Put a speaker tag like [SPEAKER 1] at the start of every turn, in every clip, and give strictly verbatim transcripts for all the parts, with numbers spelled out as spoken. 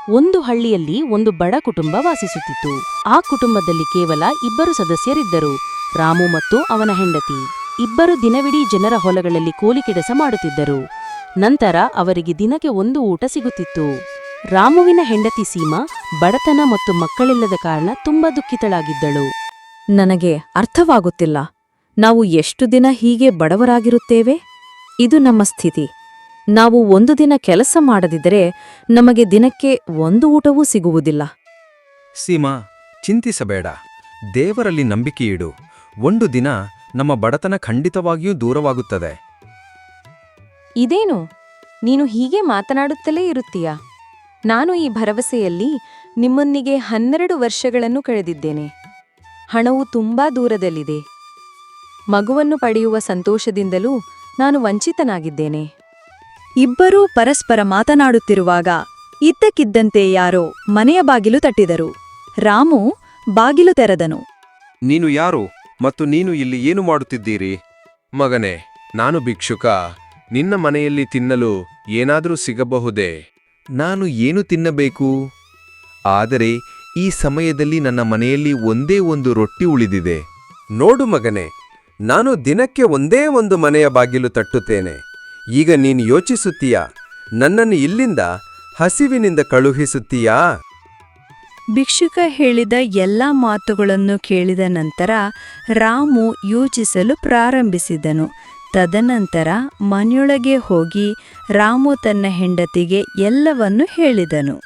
[SPEAKER 1] ಒಂದು ಹಳ್ಳಿಯಲ್ಲಿ ಒಂದು ಬಡ ಕುಟುಂಬ ವಾಸಿಸುತ್ತಿತ್ತು. ಆ ಕುಟುಂಬದಲ್ಲಿ ಕೇವಲ ಇಬ್ಬರು ಸದಸ್ಯರಿದ್ದರು, ರಾಮು ಮತ್ತು ಅವನ ಹೆಂಡತಿ. ಇಬ್ಬರು ದಿನವಿಡೀ ಜನರ ಹೊಲಗಳಲ್ಲಿ ಕೂಲಿ ಕೆಲಸ ಮಾಡುತ್ತಿದ್ದರು. ನಂತರ ಅವರಿಗೆ ದಿನಕ್ಕೆ ಒಂದು ಊಟ ಸಿಗುತ್ತಿತ್ತು. ರಾಮುವಿನ ಹೆಂಡತಿ ಸೀಮಾ ಬಡತನ ಮತ್ತು ಮಕ್ಕಳಿಲ್ಲದ ಕಾರಣ ತುಂಬಾ ದುಃಖಿತಳಾಗಿದ್ದಳು.
[SPEAKER 2] ನನಗೆ ಅರ್ಥವಾಗುತ್ತಿಲ್ಲ. ನಾವು ಎಷ್ಟು ದಿನ ಹೀಗೆ ಬಡವರಾಗಿರುತ್ತೇವೆ? ಇದು ನಮ್ಮ ಸ್ಥಿತಿ. ನಾವು ಒಂದು ದಿನ ಕೆಲಸ ಮಾಡದಿದ್ದರೆ ನಮಗೆ ದಿನಕ್ಕೆ ಒಂದು ಊಟವೂ ಸಿಗುವುದಿಲ್ಲ.
[SPEAKER 3] ಸೀಮಾ, ಚಿಂತಿಸಬೇಡ. ದೇವರಲ್ಲಿ ನಂಬಿಕೆಯಿಡು. ಒಂದು ದಿನ ನಮ್ಮ ಬಡತನ ಖಂಡಿತವಾಗಿಯೂ ದೂರವಾಗುತ್ತದೆ.
[SPEAKER 4] ಇದೇನು, ನೀನು ಹೀಗೆ ಮಾತನಾಡುತ್ತಲೇ ಇರುತ್ತೀಯಾ? ನಾನು ಈ ಭರವಸೆಯಲ್ಲಿ ನಿಮ್ಮೊಂದಿಗೆ ಹನ್ನೆರಡು ವರ್ಷಗಳನ್ನು ಕಳೆದಿದ್ದೇನೆ. ಹಣವು ತುಂಬಾ ದೂರದಲ್ಲಿದೆ. ಮಗುವನ್ನು ಪಡೆಯುವ ಸಂತೋಷದಿಂದಲೂ ನಾನು ವಂಚಿತನಾಗಿದ್ದೇನೆ.
[SPEAKER 2] ಇಬ್ಬರೂ ಪರಸ್ಪರ ಮಾತನಾಡುತ್ತಿರುವಾಗ ಇದ್ದಕ್ಕಿದ್ದಂತೆ ಯಾರೋ ಮನೆಯ ಬಾಗಿಲು ತಟ್ಟಿದರು. ರಾಮು ಬಾಗಿಲು ತೆರೆದನು.
[SPEAKER 5] ನೀನು ಯಾರು ಮತ್ತು ನೀನು ಇಲ್ಲಿ ಏನು ಮಾಡುತ್ತಿದ್ದೀರಿ? ಮಗನೇ, ನಾನು ಭಿಕ್ಷುಕ. ನಿನ್ನ ಮನೆಯಲ್ಲಿ ತಿನ್ನಲು ಏನಾದರೂ ಸಿಗಬಹುದೇ?
[SPEAKER 3] ನಾನು ಏನು ತಿನ್ನಬೇಕು? ಆದರೆ ಈ ಸಮಯದಲ್ಲಿ ನನ್ನ ಮನೆಯಲ್ಲಿ ಒಂದೇ ಒಂದು ರೊಟ್ಟಿ ಉಳಿದಿದೆ.
[SPEAKER 5] ನೋಡು ಮಗನೇ, ನಾನು ದಿನಕ್ಕೆ ಒಂದೇ ಒಂದು ಮನೆಯ ಬಾಗಿಲು ತಟ್ಟುತ್ತೇನೆ. ಈಗ ನೀನು ಯೋಚಿಸುತ್ತೀಯಾ, ನನ್ನನ್ನು ಇಲ್ಲಿಂದ ಹಸಿವಿನಿಂದ ಕಳುಹಿಸುತ್ತೀಯಾ?
[SPEAKER 2] ಭಿಕ್ಷುಕ ಹೇಳಿದ ಎಲ್ಲ ಮಾತುಗಳನ್ನು ಕೇಳಿದ ನಂತರ ರಾಮು ಯೋಚಿಸಲು ಪ್ರಾರಂಭಿಸಿದನು. ತದನಂತರ ಮನೆಯೊಳಗೆ ಹೋಗಿ ರಾಮು ತನ್ನ ಹೆಂಡತಿಗೆ ಎಲ್ಲವನ್ನೂ ಹೇಳಿದನು.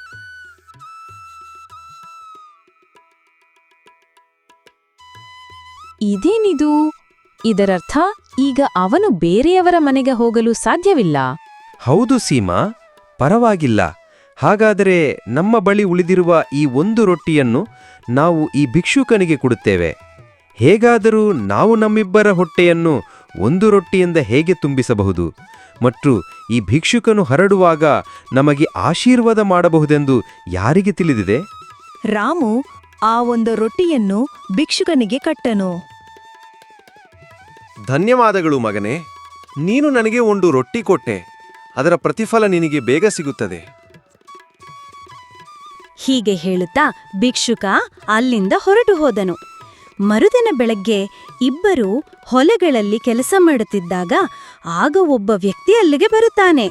[SPEAKER 1] ಇದೇನಿದು? ಇದರರ್ಥ ಈಗ ಅವನು ಬೇರೆಯವರ ಮನೆಗೆ ಹೋಗಲು ಸಾಧ್ಯವಿಲ್ಲ.
[SPEAKER 3] ಹೌದು ಸೀಮಾ, ಪರವಾಗಿಲ್ಲ. ಹಾಗಾದರೆ ನಮ್ಮ ಬಳಿ ಉಳಿದಿರುವ ಈ ಒಂದು ರೊಟ್ಟಿಯನ್ನು ನಾವು ಈ ಭಿಕ್ಷುಕನಿಗೆ ಕೊಡುತ್ತೇವೆ. ಹೇಗಾದರೂ ನಾವು ನಮ್ಮಿಬ್ಬರ ಹೊಟ್ಟೆಯನ್ನು ಒಂದು ರೊಟ್ಟಿಯಿಂದ ಹೇಗೆ ತುಂಬಿಸಬಹುದು ಮತ್ತು ಈ ಭಿಕ್ಷುಕನು ಹರಡುವಾಗ ನಮಗೆ ಆಶೀರ್ವಾದ ಮಾಡಬಹುದೆಂದು ಯಾರಿಗೆ ತಿಳಿದಿದೆ?
[SPEAKER 2] ರಾಮು ಆ ಒಂದು ರೊಟ್ಟಿಯನ್ನು ಭಿಕ್ಷುಕನಿಗೆ ಕಟ್ಟನು.
[SPEAKER 5] ಧನ್ಯವಾದಗಳು ಮಗನೇ. ನೀನು ನನಗೆ ಒಂದು ರೊಟ್ಟಿ ಕೊಟ್ಟೆ. ಅದರ ಪ್ರತಿಫಲ ನಿನಗೆ ಬೇಗ ಸಿಗುತ್ತದೆ.
[SPEAKER 2] ಹೀಗೆ ಹೇಳುತ್ತಾ ಭಿಕ್ಷುಕ ಅಲ್ಲಿಂದ ಹೊರಟು ಹೋದನು. ಮರುದಿನ ಬೆಳಗ್ಗೆ ಇಬ್ಬರೂ ಹೊಲಗಳಲ್ಲಿ ಕೆಲಸ ಮಾಡುತ್ತಿದ್ದಾಗ ಆಗ ಒಬ್ಬ ವ್ಯಕ್ತಿ ಅಲ್ಲಿಗೆ ಬರುತ್ತಾನೆ.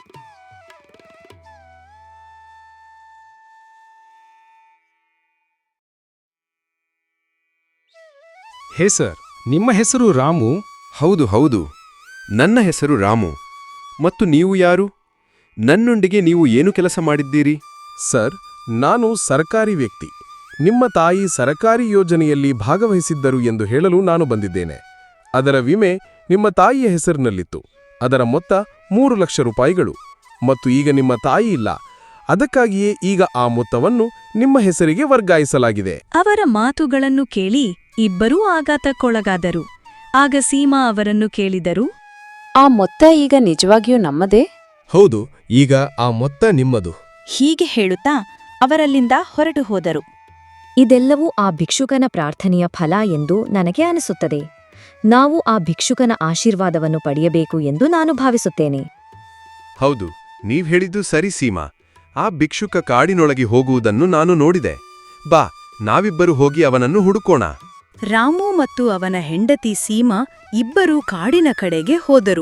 [SPEAKER 6] ಹೇ ಸರ್, ನಿಮ್ಮ ಹೆಸರು ರಾಮು?
[SPEAKER 5] ಹೌದು ಹೌದು, ನನ್ನ ಹೆಸರು ರಾಮು. ಮತ್ತು ನೀವು ಯಾರು? ನನ್ನೊಂದಿಗೆ ನೀವು ಏನು ಕೆಲಸ ಮಾಡಿದ್ದೀರಿ?
[SPEAKER 6] ಸರ್, ನಾನು ಸರ್ಕಾರಿ ವ್ಯಕ್ತಿ. ನಿಮ್ಮ ತಾಯಿ ಸರ್ಕಾರಿ ಯೋಜನೆಯಲ್ಲಿ ಭಾಗವಹಿಸಿದ್ದರು ಎಂದು ಹೇಳಲು ನಾನು ಬಂದಿದ್ದೇನೆ. ಅದರ ವಿಮೆ ನಿಮ್ಮ ತಾಯಿಯ ಹೆಸರಿನಲ್ಲಿತ್ತು. ಅದರ ಮೊತ್ತ ಮೂರು ಲಕ್ಷ ರೂಪಾಯಿಗಳು. ಮತ್ತು ಈಗ ನಿಮ್ಮ ತಾಯಿ ಇಲ್ಲ. ಅದಕ್ಕಾಗಿಯೇ ಈಗ ಆ ಮೊತ್ತವನ್ನು ನಿಮ್ಮ ಹೆಸರಿಗೆ ವರ್ಗಾಯಿಸಲಾಗಿದೆ.
[SPEAKER 2] ಅವರ ಮಾತುಗಳನ್ನು ಕೇಳಿ ಇಬ್ಬರೂ ಆಘಾತಕ್ಕೊಳಗಾದರು. ಆಗ ಸೀಮಾ ಅವರನ್ನು ಕೇಳಿದರು,
[SPEAKER 4] ಆ ಮೊತ್ತ ಈಗ ನಿಜವಾಗಿಯೂ ನಮ್ಮದೇ?
[SPEAKER 6] ಹೌದು, ಈಗ ಆ ಮೊತ್ತ ನಿಮ್ಮದು.
[SPEAKER 2] ಹೀಗೆ ಹೇಳುತ್ತಾ ಅವರಲ್ಲಿಂದ ಹೊರಟು ಹೋದರು.
[SPEAKER 7] ಇದೆಲ್ಲವೂ ಆ ಭಿಕ್ಷುಕನ ಪ್ರಾರ್ಥನೆಯ ಫಲ ಎಂದು ನನಗೆ ಅನಿಸುತ್ತದೆ. ನಾವು ಆ ಭಿಕ್ಷುಕನ ಆಶೀರ್ವಾದವನ್ನು ಪಡೆಯಬೇಕು ಎಂದು ನಾನು ಭಾವಿಸುತ್ತೇನೆ.
[SPEAKER 5] ಹೌದು, ನೀವ್ ಹೇಳಿದ್ದು ಸರಿ ಸೀಮಾ. ಆ ಭಿಕ್ಷುಕ ಕಾಡಿನೊಳಗೆ ಹೋಗುವುದನ್ನು ನಾನು ನೋಡಿದೆ. ಬಾ, ನಾವಿಬ್ಬರು ಹೋಗಿ ಅವನನ್ನು ಹುಡುಕೋಣ.
[SPEAKER 2] ರಾಮು ಮತ್ತು ಅವನ ಹೆಂಡತಿ ಸೀಮಾ ಇಬ್ಬರೂ ಕಾಡಿನ ಕಡೆಗೆ ಹೋದರು.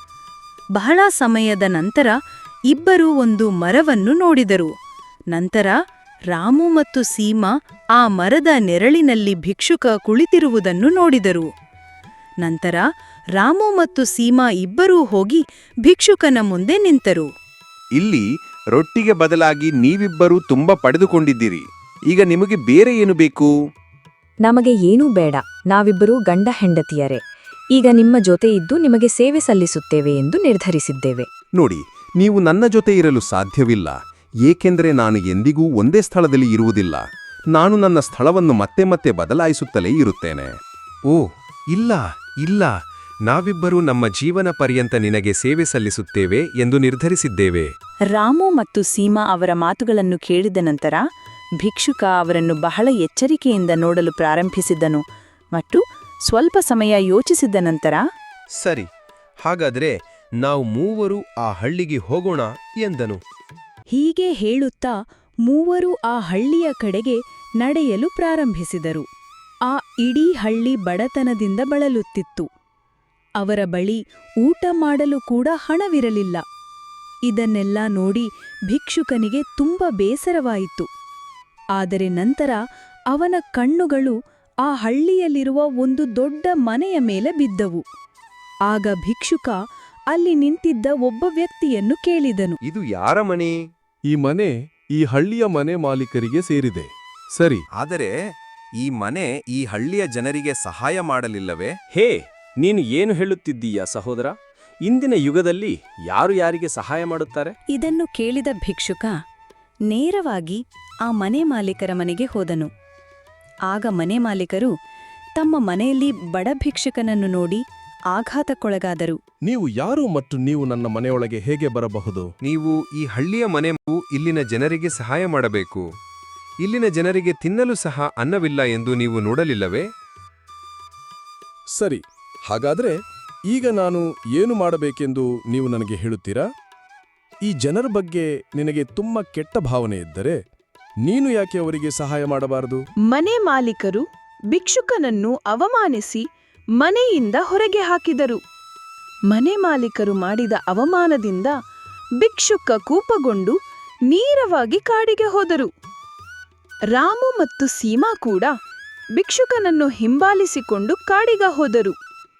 [SPEAKER 2] ಬಹಳ ಸಮಯದ ನಂತರ ಇಬ್ಬರೂ ಒಂದು ಮರವನ್ನು ನೋಡಿದರು. ನಂತರ ರಾಮು ಮತ್ತು ಸೀಮಾ ಆ ಮರದ ನೆರಳಿನಲ್ಲಿ ಭಿಕ್ಷುಕ ಕುಳಿತಿರುವುದನ್ನು ನೋಡಿದರು. ನಂತರ ರಾಮು ಮತ್ತು ಸೀಮಾ ಇಬ್ಬರೂ ಹೋಗಿ ಭಿಕ್ಷುಕನ ಮುಂದೆ ನಿಂತರು.
[SPEAKER 5] ಇಲ್ಲಿ ರೊಟ್ಟಿಗೆ ಬದಲಾಗಿ ನೀವಿಬ್ಬರೂ ತುಂಬ ಪಡೆದುಕೊಂಡಿದ್ದೀರಿ. ಈಗ ನಿಮಗೆ ಬೇರೆ ಏನು ಬೇಕು?
[SPEAKER 7] ನಮಗೆ ಏನೂ ಬೇಡ. ನಾವಿಬ್ಬರೂ ಗಂಡ ಹೆಂಡತಿಯರೇ. ಈಗ ನಿಮ್ಮ ಜೊತೆ ಇದ್ದು ನಿಮಗೆ ಸೇವೆ ಸಲ್ಲಿಸುತ್ತೇವೆ ಎಂದು ನಿರ್ಧರಿಸಿದ್ದೇವೆ.
[SPEAKER 5] ನೋಡಿ, ನೀವು ನನ್ನ ಜೊತೆ ಇರಲು ಸಾಧ್ಯವಿಲ್ಲ. ಏಕೆಂದರೆ ನಾನು ಎಂದಿಗೂ ಒಂದೇ ಸ್ಥಳದಲ್ಲಿ ಇರುವುದಿಲ್ಲ. ನಾನು ನನ್ನ ಸ್ಥಳವನ್ನು ಮತ್ತೆ ಮತ್ತೆ ಬದಲಾಯಿಸುತ್ತಲೇ ಇರುತ್ತೇನೆ. ಓ ಇಲ್ಲ ಇಲ್ಲ, ನಾವಿಬ್ಬರೂ ನಮ್ಮ ಜೀವನ ಪರ್ಯಂತ ನಿನಗೆ ಸೇವೆ ಸಲ್ಲಿಸುತ್ತೇವೆ ಎಂದು ನಿರ್ಧರಿಸಿದ್ದೇವೆ.
[SPEAKER 2] ರಾಮು ಮತ್ತು ಸೀಮಾ ಅವರ ಮಾತುಗಳನ್ನು ಕೇಳಿದ ನಂತರ ಭಿಕ್ಷುಕ ಅವರನ್ನು ಬಹಳ ಎಚ್ಚರಿಕೆಯಿಂದ ನೋಡಲು ಪ್ರಾರಂಭಿಸಿದನು ಮತ್ತು ಸ್ವಲ್ಪ ಸಮಯ ಯೋಚಿಸಿದ ನಂತರ,
[SPEAKER 5] ಸರಿ, ಹಾಗಾದರೆ ನಾವು ಮೂವರು ಆ ಹಳ್ಳಿಗೆ ಹೋಗೋಣ ಎಂದನು.
[SPEAKER 2] ಹೀಗೆ ಹೇಳುತ್ತಾ ಮೂವರು ಆ ಹಳ್ಳಿಯ ಕಡೆಗೆ ನಡೆಯಲು ಪ್ರಾರಂಭಿಸಿದರು. ಆ ಇಡೀ ಹಳ್ಳಿ ಬಡತನದಿಂದ ಬಳಲುತ್ತಿತ್ತು. ಅವರ ಬಳಿ ಊಟ ಮಾಡಲು ಕೂಡ ಹಣವಿರಲಿಲ್ಲ. ಇದನ್ನೆಲ್ಲ ನೋಡಿ ಭಿಕ್ಷುಕನಿಗೆ ತುಂಬ ಬೇಸರವಾಯಿತು. ಆದರೆ ನಂತರ ಅವನ ಕಣ್ಣುಗಳು ಆ ಹಳ್ಳಿಯಲ್ಲಿರುವ ಒಂದು ದೊಡ್ಡ ಮನೆಯ ಮೇಲೆ ಬಿದ್ದವು. ಆಗ ಭಿಕ್ಷುಕ ಅಲ್ಲಿ ನಿಂತಿದ್ದ ಒಬ್ಬ ವ್ಯಕ್ತಿಯನ್ನು ಕೇಳಿದನು.
[SPEAKER 5] ಇದು ಯಾರ ಮನೆ?
[SPEAKER 6] ಈ ಮನೆ ಈ ಹಳ್ಳಿಯ ಮನೆ ಮಾಲೀಕರಿಗೆ ಸೇರಿದೆ. ಸರಿ,
[SPEAKER 5] ಆದರೆ ಈ ಮನೆ ಈ ಹಳ್ಳಿಯ ಜನರಿಗೆ ಸಹಾಯ ಮಾಡಲಿಲ್ಲವೇ?
[SPEAKER 8] ಹೇ, ನೀನು ಏನು ಹೇಳುತ್ತಿದ್ದೀಯಾ ಸಹೋದರ? ಇಂದಿನ ಯುಗದಲ್ಲಿ ಯಾರು ಯಾರಿಗೆ ಸಹಾಯ ಮಾಡುತ್ತಾರೆ?
[SPEAKER 2] ಇದನ್ನು ಕೇಳಿದ ಭಿಕ್ಷುಕ ನೇರವಾಗಿ ಆ ಮನೆ ಮಾಲೀಕರ ಮನೆಗೆ ಹೋದನು. ಆಗ ಮನೆ ಮಾಲೀಕರು ತಮ್ಮ ಮನೆಯಲ್ಲಿ ಬಡ ಭಿಕ್ಷುಕನನ್ನು ನೋಡಿ ಆಘಾತಕ್ಕೊಳಗಾದರು.
[SPEAKER 6] ನೀವು ಯಾರು ಮತ್ತು ನೀವು ನನ್ನ ಮನೆಯೊಳಗೆ ಹೇಗೆ ಬರಬಹುದು?
[SPEAKER 3] ನೀವು ಈ ಹಳ್ಳಿಯ ಮನೆ ಇಲ್ಲಿನ ಜನರಿಗೆ ಸಹಾಯ ಮಾಡಬೇಕು. ಇಲ್ಲಿನ ಜನರಿಗೆ ತಿನ್ನಲು ಸಹ ಅನ್ನವಿಲ್ಲ ಎಂದು ನೀವು ನೋಡಲಿಲ್ಲವೇ?
[SPEAKER 6] ಸರಿ, ಹಾಗಾದ್ರೆ ಈಗ ನಾನು ಏನು ಮಾಡಬೇಕೆಂದು ನೀವು ನನಗೆ ಹೇಳುತ್ತೀರಾ? ಈ ಜನರ ಬಗ್ಗೆ ನಿನಗೆ ತುಂಬ ಕೆಟ್ಟ ಭಾವನೆ ಇದ್ದರೆ ನೀನು ಯಾಕೆ ಅವರಿಗೆ ಸಹಾಯ ಮಾಡಬಾರದು?
[SPEAKER 9] ಮನೆ ಮಾಲೀಕರು ಭಿಕ್ಷುಕನನ್ನು ಅವಮಾನಿಸಿ ಮನೆಯಿಂದ ಹೊರಗೆ ಹಾಕಿದರು. ಮನೆ ಮಾಲೀಕರು ಮಾಡಿದ ಅವಮಾನದಿಂದ ಭಿಕ್ಷುಕ ಕೂಪಗೊಂಡು ನೇರವಾಗಿ ಕಾಡಿಗೆ ಹೋದರು. ರಾಮು ಮತ್ತು ಸೀಮಾ ಕೂಡ ಭಿಕ್ಷುಕನನ್ನು ಹಿಂಬಾಲಿಸಿಕೊಂಡು ಕಾಡಿಗೆ ಹೋದರು.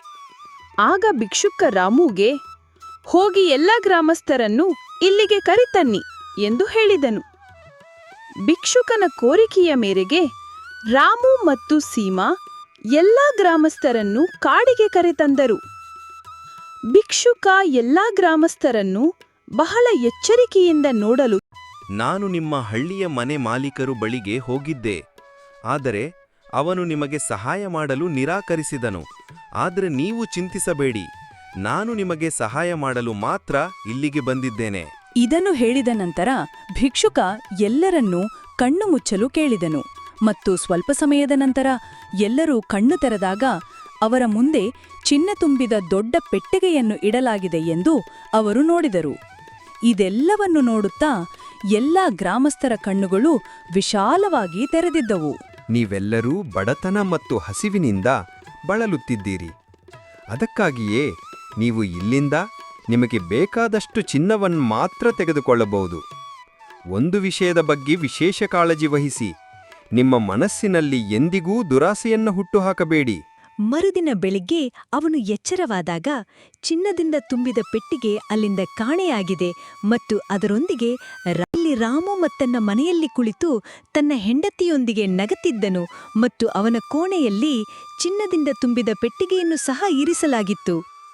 [SPEAKER 9] ಆಗ ಭಿಕ್ಷುಕ ರಾಮುಗೆ, ಹೋಗಿ ಎಲ್ಲ ಗ್ರಾಮಸ್ಥರನ್ನು ಇಲ್ಲಿಗೆ ಕರೆತನ್ನಿ ಎಂದು ಹೇಳಿದನು. ಭಿಕ್ಷುಕನ ಕೋರಿಕೆಯ ಮೇರೆಗೆ ರಾಮು ಮತ್ತು ಸೀಮಾ ಎಲ್ಲಾ ಗ್ರಾಮಸ್ಥರನ್ನು ಕಾಡಿಗೆ ಕರೆತಂದರು. ಭಿಕ್ಷುಕ ಎಲ್ಲಾ ಗ್ರಾಮಸ್ಥರನ್ನು ಬಹಳ ಎಚ್ಚರಿಕೆಯಿಂದ ನೋಡಲು
[SPEAKER 3] ನಾನು ನಿಮ್ಮ ಹಳ್ಳಿಯ ಮನೆ ಮಾಲೀಕರು ಬಳಿಗೆ ಹೋಗಿದ್ದೆ, ಆದರೆ ಅವನು ನಿಮಗೆ ಸಹಾಯ ಮಾಡಲು ನಿರಾಕರಿಸಿದನು. ಆದರೆ ನೀವು ಚಿಂತಿಸಬೇಡಿ, ನಾನು ನಿಮಗೆ ಸಹಾಯ ಮಾಡಲು ಮಾತ್ರ ಇಲ್ಲಿಗೆ ಬಂದಿದ್ದೇನೆ.
[SPEAKER 2] ಇದನ್ನು ಹೇಳಿದ ನಂತರ ಭಿಕ್ಷುಕ ಎಲ್ಲರನ್ನೂ ಕಣ್ಣು ಮುಚ್ಚಲು ಕೇಳಿದನು. ಮತ್ತು ಸ್ವಲ್ಪ ಸಮಯದ ನಂತರ ಎಲ್ಲರೂ ಕಣ್ಣು ತೆರೆದಾಗ ಅವರ ಮುಂದೆ ಚಿನ್ನ ತುಂಬಿದ ದೊಡ್ಡ ಪೆಟ್ಟಿಗೆಯನ್ನು ಇಡಲಾಗಿದೆ ಎಂದು ಅವರು ನೋಡಿದರು. ಇದೆಲ್ಲವನ್ನು ನೋಡುತ್ತಾ ಎಲ್ಲಾ ಗ್ರಾಮಸ್ಥರ ಕಣ್ಣುಗಳು ವಿಶಾಲವಾಗಿ ತೆರೆದಿದ್ದವು.
[SPEAKER 3] ನೀವೆಲ್ಲರೂ ಬಡತನ ಮತ್ತು ಹಸಿವಿನಿಂದ ಬಳಲುತ್ತಿದ್ದೀರಿ. ಅದಕ್ಕಾಗಿಯೇ ನೀವು ಇಲ್ಲಿಂದ ನಿಮಗೆ ಬೇಕಾದಷ್ಟು ಚಿನ್ನವನ್ನು ಮಾತ್ರ ತೆಗೆದುಕೊಳ್ಳಬಹುದು. ಒಂದು ವಿಷಯದ ಬಗ್ಗೆ ವಿಶೇಷ ಕಾಳಜಿ ವಹಿಸಿ, ನಿಮ್ಮ ಮನಸ್ಸಿನಲ್ಲಿ ಎಂದಿಗೂ ದುರಾಸೆಯನ್ನು ಹುಟ್ಟುಹಾಕಬೇಡಿ.
[SPEAKER 10] ಮರುದಿನ ಬೆಳಿಗ್ಗೆ ಅವನು ಎಚ್ಚರವಾದಾಗ ಚಿನ್ನದಿಂದ ತುಂಬಿದ ಪೆಟ್ಟಿಗೆ ಅಲ್ಲಿಂದ ಕಾಣೆಯಾಗಿದೆ ಮತ್ತು ಅದರೊಂದಿಗೆ ಅಲ್ಲಿ ರಾಮು ಮತ್ತನ್ನ ಮನೆಯಲ್ಲಿ ಕುಳಿತು ತನ್ನ ಹೆಂಡತಿಯೊಂದಿಗೆ ನಗತಿದ್ದನು ಮತ್ತು ಅವನ ಕೋಣೆಯಲ್ಲಿ ಚಿನ್ನದಿಂದ ತುಂಬಿದ ಪೆಟ್ಟಿಗೆಯನ್ನು ಸಹ ಇರಿಸಲಾಗಿತ್ತು.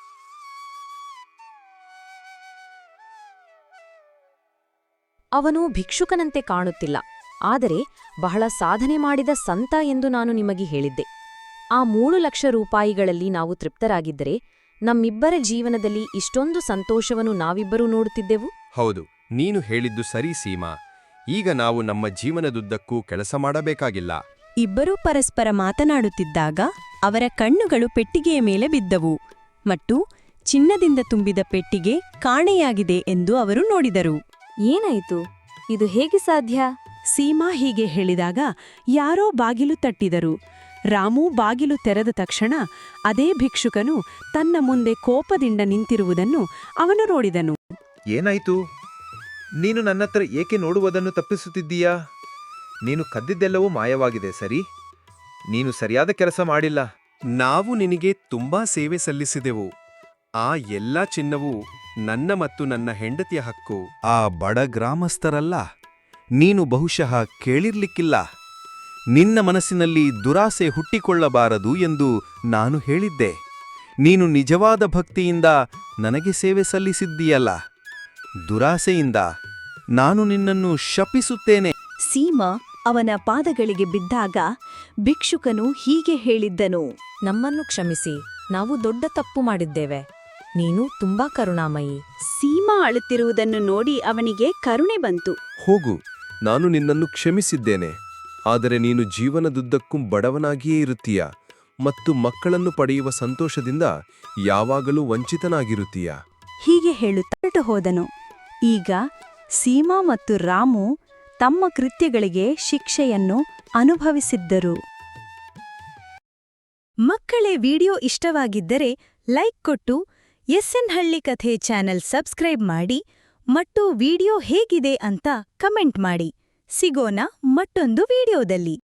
[SPEAKER 1] ಅವನು ಭಿಕ್ಷುಕನಂತೆ ಕಾಣುತ್ತಿಲ್ಲ, ಆದರೆ ಬಹಳ ಸಾಧನೆ ಮಾಡಿದ ಸಂತ ಎಂದು ನಾನು ನಿಮಗೆ ಹೇಳಿದ್ದೆ. ಆ ಮೂರು ಲಕ್ಷ ರೂಪಾಯಿಗಳಲ್ಲಿ ನಾವು ತೃಪ್ತರಾಗಿದ್ದರೆ ನಮ್ಮಿಬ್ಬರ ಜೀವನದಲ್ಲಿ ಇಷ್ಟೊಂದು ಸಂತೋಷವನ್ನು ನಾವಿಬ್ಬರೂ ನೋಡುತ್ತಿದ್ದೆವು.
[SPEAKER 3] ಹೌದು, ನೀನು ಹೇಳಿದ್ದು ಸರಿ ಸೀಮಾ. ಈಗ ನಾವು ನಮ್ಮ ಜೀವನದುದ್ದಕ್ಕೂ ಕೆಲಸ ಮಾಡಬೇಕಾಗಿಲ್ಲ.
[SPEAKER 2] ಇಬ್ಬರೂ ಪರಸ್ಪರ ಮಾತನಾಡುತ್ತಿದ್ದಾಗ ಅವರ ಕಣ್ಣುಗಳು ಪೆಟ್ಟಿಗೆಯ ಮೇಲೆ ಬಿದ್ದವು ಮತ್ತು ಚಿನ್ನದಿಂದ ತುಂಬಿದ ಪೆಟ್ಟಿಗೆ ಕಾಣೆಯಾಗಿದೆ ಎಂದು ಅವರು ನೋಡಿದರು.
[SPEAKER 4] ಏನಾಯಿತು? ಇದು ಹೇಗೆ ಸಾಧ್ಯ?
[SPEAKER 2] ಸೀಮಾ ಹೀಗೆ ಹೇಳಿದಾಗ ಯಾರೋ ಬಾಗಿಲು ತಟ್ಟಿದರು. ರಾಮು ಬಾಗಿಲು ತೆರೆದ ತಕ್ಷಣ ಅದೇ ಭಿಕ್ಷುಕನು ತನ್ನ ಮುಂದೆ ಕೋಪದಿಂದ ನಿಂತಿರುವುದನ್ನು ಅವನು ನೋಡಿದನು.
[SPEAKER 11] ಏನಾಯ್ತು? ನೀನು ನನ್ನತ್ರ ಏಕೆ ನೋಡುವುದನ್ನು ತಪ್ಪಿಸುತ್ತಿದ್ದೀಯಾ? ನೀನು ಕದ್ದಿದ್ದೆಲ್ಲವೂ ಮಾಯವಾಗಿದೆ, ಸರಿ? ನೀನು ಸರಿಯಾದ ಕೆಲಸ ಮಾಡಿಲ್ಲ.
[SPEAKER 3] ನಾವು ನಿನಗೆ ತುಂಬಾ ಸೇವೆ ಸಲ್ಲಿಸಿದೆವು. ಆ ಎಲ್ಲ ಚಿನ್ನವೂ ನನ್ನ ಮತ್ತು ನನ್ನ ಹೆಂಡತಿಯ ಹಕ್ಕು. ಆ ಬಡ ಗ್ರಾಮಸ್ಥರಲ್ಲ, ನೀನು ಬಹುಶಃ ಕೇಳಿರ್ಲಿಕ್ಕಿಲ್ಲ. ನಿನ್ನ ಮನಸ್ಸಿನಲ್ಲಿ ದುರಾಸೆ ಹುಟ್ಟಿಕೊಳ್ಳಬಾರದು ಎಂದು ನಾನು ಹೇಳಿದ್ದೆ. ನೀನು ನಿಜವಾದ ಭಕ್ತಿಯಿಂದ ನನಗೆ ಸೇವೆ ಸಲ್ಲಿಸಿದ್ದೀಯಲ್ಲ, ದುರಾಸೆಯಿಂದ ನಾನು ನಿನ್ನನ್ನು ಶಪಿಸುತ್ತೇನೆ.
[SPEAKER 10] ಸೀಮಾ ಅವನ ಪಾದಗಳಿಗೆ ಬಿದ್ದಾಗ ಭಿಕ್ಷುಕನು ಹೀಗೆ ಹೇಳಿದ್ದನು.
[SPEAKER 4] ನಮ್ಮನ್ನು ಕ್ಷಮಿಸಿ, ನಾವು ದೊಡ್ಡ ತಪ್ಪು ಮಾಡಿದ್ದೇವೆ. ನೀನು ತುಂಬಾ ಕರುಣಾಮಯಿ.
[SPEAKER 2] ಸೀಮಾ ಅಳುತ್ತಿರುವುದನ್ನು ನೋಡಿ ಅವನಿಗೆ ಕರುಣೆ ಬಂತು.
[SPEAKER 6] ಹೋಗು, ನಾನು ನಿನ್ನನ್ನು ಕ್ಷಮಿಸಿದ್ದೇನೆ. ಆದರೆ ನೀನು ಜೀವನದುದ್ದಕ್ಕೂ ಬಡವನಾಗಿಯೇ ಇರುತ್ತೀಯ ಮತ್ತು ಮಕ್ಕಳನ್ನು ಪಡೆಯುವ ಸಂತೋಷದಿಂದ ಯಾವಾಗಲೂ ವಂಚಿತನಾಗಿರುತ್ತೀಯ.
[SPEAKER 2] ಹೀಗೆ ಹೇಳುತ್ತಾ ಹೊರಟು ಹೋದನು. ಈಗ ಸೀಮಾ ಮತ್ತು ರಾಮು ತಮ್ಮ ಕೃತ್ಯಗಳಿಗೆ ಶಿಕ್ಷೆಯನ್ನು ಅನುಭವಿಸಿದ್ದರು. ಮಕ್ಕಳೇ, ವಿಡಿಯೋ ಇಷ್ಟವಾಗಿದ್ದರೆ ಲೈಕ್ ಕೊಟ್ಟು ಎಸ್ಎನ್ ಹಳ್ಳಿ ಕಥೆ ಚಾನೆಲ್ ಸಬ್ಸ್ಕ್ರೈಬ್ ಮಾಡಿ ಮತ್ತು ವಿಡಿಯೋ ಹೇಗಿದೆ ಅಂತ ಕಮೆಂಟ್ ಮಾಡಿ. ಸಿಗೋಣ ಮತ್ತೊಂದು ವಿಡಿಯೋದಲ್ಲಿ.